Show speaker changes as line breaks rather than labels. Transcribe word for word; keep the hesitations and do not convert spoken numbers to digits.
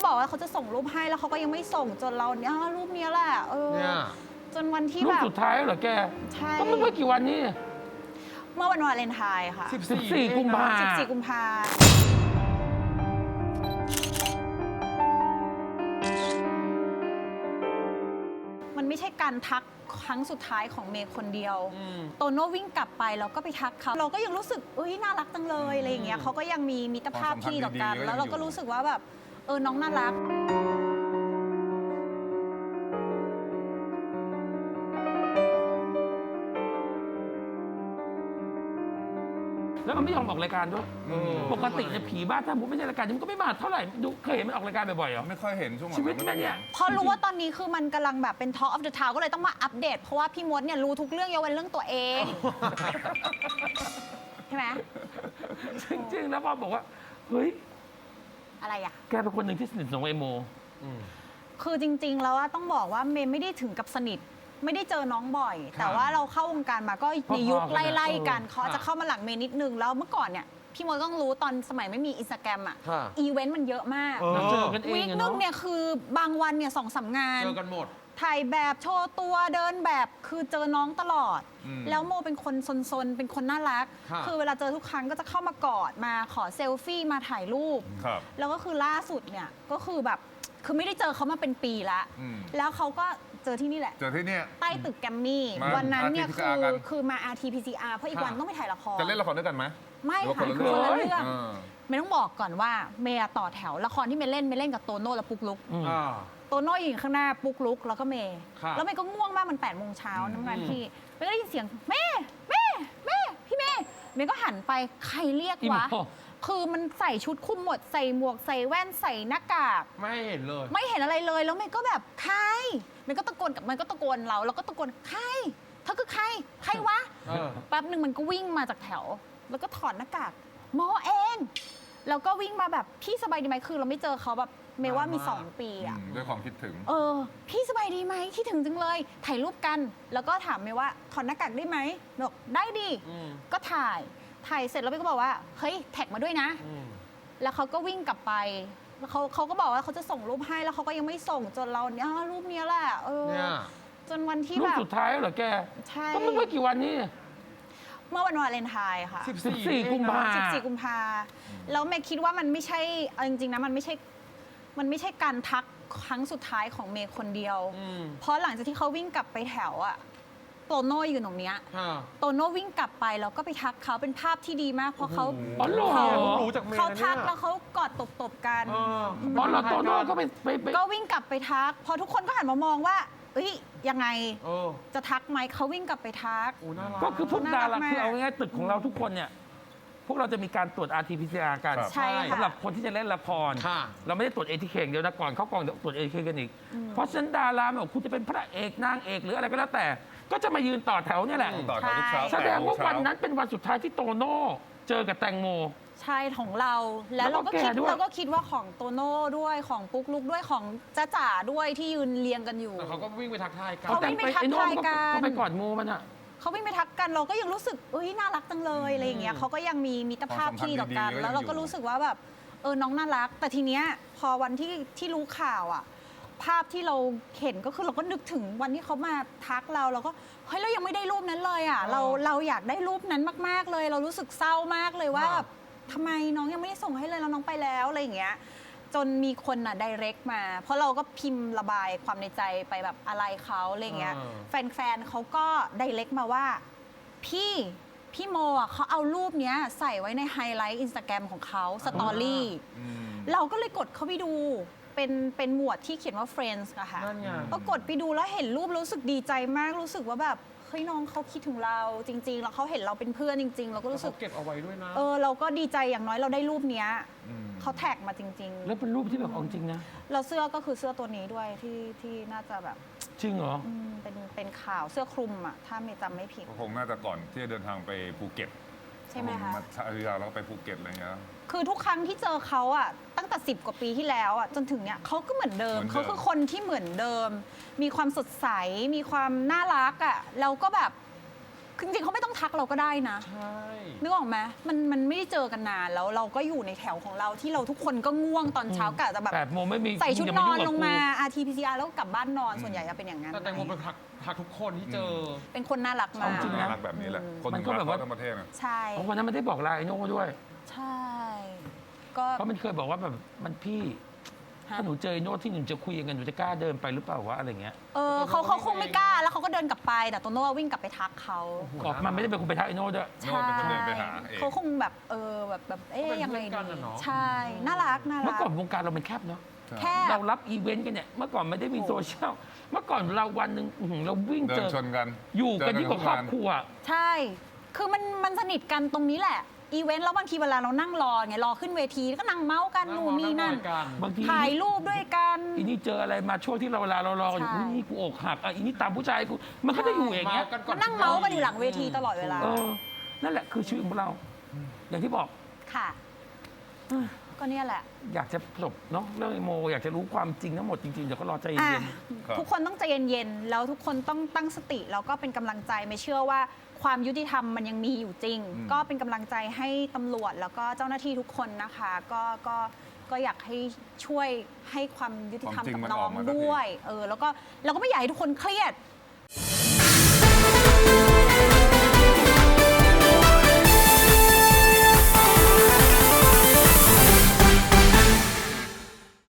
บอกว่าเขาจะส่งรูปให้แล้วเขาก็ยังไม่ส่งจนเราเนี่ยรูปนี้แหละเออจนวันที่แบบ
รูปสุดท้ายเหรอแก
ใช่
ก็ไม่กี่วันนี้
เมื่อวันวาเลนไทน์ค่ะ
สิบสี่กุมภา
สิบสี่กุมภามันไม่ใช่การทักครั้งสุดท้ายของเมย์คนเดียวโตโน่วิ่งกลับไปแล้วก็ไปทักเขาเราก็ยังรู้สึกเอ้ยน่ารักจังเลยอะไรอย่างเงี้ยเขาก็ยังมีมิตรภาพที่ดีต่อกันแล้วเราก็รู้สึกว่าแบบเออน้องน่ารัก
แล้วมันไม่ยอมออกรายการด้วยปกติเนี่ยผีบ้าถ้ามุกไม่ใช่รายการมันก็ไม่มาเท่าไหร่ดูเคยเห็นมันออกรายการบ่อยๆเหรอ
ไม่ค่อยเห็นช่วง
ชีวิตมันเนี่ย
พอรู้ว่าตอนนี้คือมันกำลังแบบเป็น Talk of the Town ก็เลยต้องมาอัปเดตเพราะว่าพี่มดเนี่ยรู้ทุกเรื่องยกเว้นเรื่องตัวเองใช่ไหม
จริงๆแล้วพอบอกว่าเฮ้ย
อะไรอ่ะ
แกเป็นคนหนึ่งที่สนิทสนมไอโม
คือจริงๆแล้วต้องบอกว่าเมย์ไม่ได้ถึงกับสนิทไม่ได้เจอน้องบ่อยแต่ว่าเราเข้าวงการมาก็ในยุคไล่ๆกันเขาจะเข้ามาหลังเมย์นิดนึงแล้วเมื่อก่อนเนี่ยพี่มดต้องรู้ตอนสมัยไม่มีอินสตาแกรมอ่ะอีเวนต์มันเยอะมากวีคนึงเนี่ยคือบางวันเนี่ยสองสามงาน
เจอกันหมด
ถ่ายแบบโชว์ตัวเดินแบบคือเจอน้องตลอดแล้วโมเป็นคนซนๆเป็นคนน่ารักคือเวลาเจอทุกครั้งก็จะเข้ามากอดมาขอเซลฟี่มาถ่ายรูปแล้วก็คือล่าสุดเนี่ยก็คือแบบคือไม่ได้เจอเขามาเป็นปีละแล้วเขาก็เจอที่นี่แหละ
เจอที่นี่
ใต้ตึกแกรมมี่วันนั้นเนี่ยคือคือมา อาร์ ที พี ซี อาร์ เพราะอีกวันต้องไปถ่ายละคร
จะเล่นละครด้วยกันไหม
ไม่ค่ะคือคนละเรื่องไม่ต้องบอกก่อนว่าเมย์ต่อแถวละครที่เมย์เล่นเมย์เล่นกับโตโน่และปุ๊กลุกโตโน่อยู่ข้างหน้าปุ๊กลุกแล้วก็เมย์แล้วเมย์ก็ง่วงมากมันแปดโมงเช้าน้ำงานพี่เมย์ก็ได้ยินเสียงเมย์เมย์เมย์พี่เมย์เมย์ก็หันไปใครเรียกวะคือมันใส่ชุดคลุมหมดใส่หมวกใส่แว่นใส่หน้ากาก
ไม่เห็นเลย
ไม่เห็นอะไรเลยแล้วเมย์ก็แบบใครเมย์ก็ตะโกนกับมันก็ตะโกนเราแล้วก็ตะโกนใครเธอคือใครใครวะแป๊บหนึ่งมันก็วิ่งมาจากแถวแล้วก็ถอดหน้ากากหมอเองแล้วก็วิ่งมาแบบพี่สบายดีไหมคือเราไม่เจอเขาแบบเมย์ว่ามีสองปีอะ
ด้วยความคิดถึง
เออพี่สบายดีไหมคิดถึงจังเลยถ่ายรูปกันแล้วก็ถามเมย์ว่าถอดหน้ากากได้ไหมบอกได้ดิก็ถ่ายถ่ายเสร็จแล้วเมย์ก็บอกว่าเฮ้ยแท็กมาด้วยนะแล้วเขาก็วิ่งกลับไปแล้วเขาเขาก็บอกว่าเขาจะส่งรูปให้แล้วเขาก็ยังไม่ส่งจนเราเนี่ยรูปนี้แหละเออจนวันที่แบบ
รูปสุดท้ายเหรอแก
ใช่
ก็ไม่กี่วันนี้
เมื่อวันวาเลนไทน์ค่ะ
สิบสี่กุมภา
สิบสี่กุมภาแล้วเมย์คิดว่ามันไม่ใช่จริงๆนะมันไม่ใช่มันไม่ใช่การทักครั้งสุดท้ายของเมย์คนเดียวเพราะหลังจากที่เขาวิ่งกลับไปแถวอะโตโน่อยู่ตรงเนี้ยโตโน่วิ่งกลับไปแล้วก็ไปทักเขาเป็นภาพที่ดีมากเพราะเขา
เขา
เขาทักแล้วเขากอดตบๆกัน
อ๋อแล้วโตโน่ก็ไป
ก็วิ่งกลับไปทักพอทุกคนก็หันมามองว่าเอ้ยยังไงจะทักไหมเขาวิ่งกลับไปทัก
ก็คือพวกดาราคือเอาง่ายๆตึกของเราทุกคนเนี่ยพวกเราจะมีการตรวจ อาร์ ที พี ซี อาร์ กันสำหรับคนที่จะเล่นละครเราไม่ได้ตรวจ เอ ที เค เดียวนะก่อนเข้ากองตรวจ เอ ที เค กันอีกเพราะฉะนั้นดาราไม่ว่าคุณจะเป็นพระเอกนางเอกหรืออะไรก็แล้วแต่ก็จะมายืนต่อแถวเนี่ยแหละแสดงว่าวันนั้นเป็นวันสุดท้ายที่โตโน่เจอกับแตงโม
ใช่ของเราแล้วเราก็คิดเราก็คิดว่าของโตโน่ด้วยของปุ๊กลุกด้วยของจ้าจ๋าด้วยที่ยืนเรียงกันอยู่
เขาก็วิ่งไปทักทายกัน
เขาวิ่งไปทักทายกัน
เขาไปกอดโมมันอะ
เขาวิ่งไปทักกันเราก็ยังรู้สึกเอ้ยน่ารักจังเลยอะไรอย่างเงี้ยเขาก็ยังมีมิตรภาพที่ดีต่อกันแล้วเราก็รู้สึกว่าแบบเออน้องน่ารักแต่ทีเนี้ยพอวันที่ที่รู้ข่าวอ่ะภาพที่เราเห็นก็คือเราก็นึกถึงวันที่เขามาทักเราเราก็เฮ้ยเรายังไม่ได้รูปนั้นเลยอ่ะเราเราอยากได้รูปนั้นมากๆเลยเรารู้สึกเศร้ามากเลยว่าแบบทำไมน้องยังไม่ได้ส่งให้เลยแล้วน้องไปแล้วอะไรอย่างเงี้ยจนมีคนอ่ะไดเรกมาเพราะเราก็พิมพ์ระบายความในใจไปแบบอะไรเขาอะไรเงี้ยแฟนๆเขาก็ไดเรกมาว่าพี่พี่โมอ่ะเขาเอารูปเนี้ยใส่ไว้ในไฮไลท์อินสตาแกรมของเขาสตอรี่เราก็เลยกดเข้าไปดูเป็นเป็นหมวดที่เขียนว่า Friends อะค่ะก็กดไปดูแล้วเห็นรูปรู้สึกดีใจมากรู้สึกว่าแบบเฮ้ยน้องเขาคิดถึงเราจริงๆแล้วเขาเห็นเราเป็นเพื่อนจริงๆเราก็รู้สึก
เก็บเอาไว้ด้วยนะ
เออเราก็ดีใจอย่างน้อยเราได้รูปเนี้ยเขาแท็กมาจริงๆ
แล้วเป็นรูปที่แบบจริงนะ
เราเสื้อก็คือเสื้อตัวนี้ด้วยที่ที่น่าจะแบบ
จริงเหรอ
เป็นเป็นข่าวเสื้อคลุมอ่ะถ้าไม่จำไม่ผิด
คงน่าจะก่อนที่จะเดินทางไปภูเก็ต
ใช่ไหมคะ
มาพัทยาแล้วไปภูเก็ตอะไรเงี้ย
คือทุกครั้งที่เจอเขาอ่ะตั้งแต่สิบกว่าปีที่แล้วอ่ะจนถึงเนี้ยเขาก็เหมือนเดิมเขาคือคนที่เหมือนเดิมมีความสดใสมีความน่ารักอ่ะแล้วก็แบบคือจริงๆเขาไม่ต้องทักเราก็ได้นะ
ใช่
นึกออกไหมมันมันไม่ได้เจอกันนานแล้วเราก็อยู่ในแถวของเราที่เราทุกคนก็ง่วงตอนเช้ากะจะแบบ
แปดโมงไม่มี
ใส่ชุด
อย่
น
มา
อน
ยุ่กับ
ลงมา
กู
อาร์ ที พี ซี อาร์ แล้วก็กลับบ้านนอนส่วนใหญ่จะเป็นอย่างนั้น
แต่แตงโมเป็นทักทักทุกคนที่เจอ
เป็นคนน่ารักมาก
จริงนะ
น่ารักแบบนี้แหละ คน
มั
ถึ
น
ง
ก็
รัก
แบบ
เขา
ว่า
ทั้งประเทศนะ
ใช่
เพราะวันนั้นมันได้บอกลาไอโน่ด้วย
ใช่ก็
เพราะมันเคยบอกว่าแบบมันพี่
ฮะ
ถ้าหนูเจอไอ้โน่ที่หนูจะคุยกันหนูจะกล้าเดินไปหรือเปล่าวะอะไรเงี้ย
เออเขาเขาคงไม่กล้าแล้วเขาก็เดินกลับไปแต่โตโน่วิ่งกลับไปทักเขา
บอกมันไม่ได้เป็นคนไปทักไอโน่ด้วย
โน่เป็นคนเดินไปหาเอง
เขาคงแบบเออแบบแบบเอ๊ย
ก็เป็น
ยังไง
เพื่อนกัน
ดี
อะเนาะ
ใช่น่ารักน่า
เมื่อ
รัก
ก่อนวงการเรามันแคบเนาะ
แค่
เรารับอีเวนต์กันเนี่ยเมื่อก่อนไม่ได้มีโซเชียลเมื่อก่อนเราวันหนึ่งอื้อหือเราวิ่ง
เดิ
เจ
น
อ
ชนกัน
อยู่กันยิ่งกว่าครอบครัว
ใช่ คือมันมันสนิทกันตรงนี้แหละอีเวนต์แล้วบางทีเวลาเรานั่งรอไงรอขึ้นเวทีก็นั่งเมาส์กันนู่นนี่นั่น
กัน
บางที
ถ่ายรูปด้วยกัน
อีนี่เจออะไรมาช่วงที่เราเวลาเรารอกันอยู่
ใช่
อุ๊ยนี่กูอกหักอ่ะอีนี่ตามผู้ชายกูมันก็จะอยู่อย่างเงี้ย
เมากันก่
มั
อน
นนั่งเมาส์กันอยู่หลังเวทีตลอดเวลา
เออนั่นแหละคือชีวิตของเรา อย่างที่บอก
ค่ะ ก็เนี่ยแหละ
อยากจะจบเนาะเรื่องไอโม อยากจะรู้ความจริงทั้งหมดจริงๆเดี๋ยวก็รอใจ
อ่ะ
เย็น
ครับ
ทุกคนต้องใจเย็นๆ แล้วทุกคนต้องตั้งสติ แล้วก็เป็นกำลังใจไม่เชื่อว่าความยุติธรรมมันยังมีอยู่จริง
อืม
ก็เป็นกำลังใจให้ตำรวจแล้วก็เจ้าหน้าที่ทุกคนนะคะ ก็ก็ก็อยากให้ช่วยให้ความยุติธรรมกับน้องด้วย เออแล้วก็เราก็ไม่อยากให้ทุกคนเครียด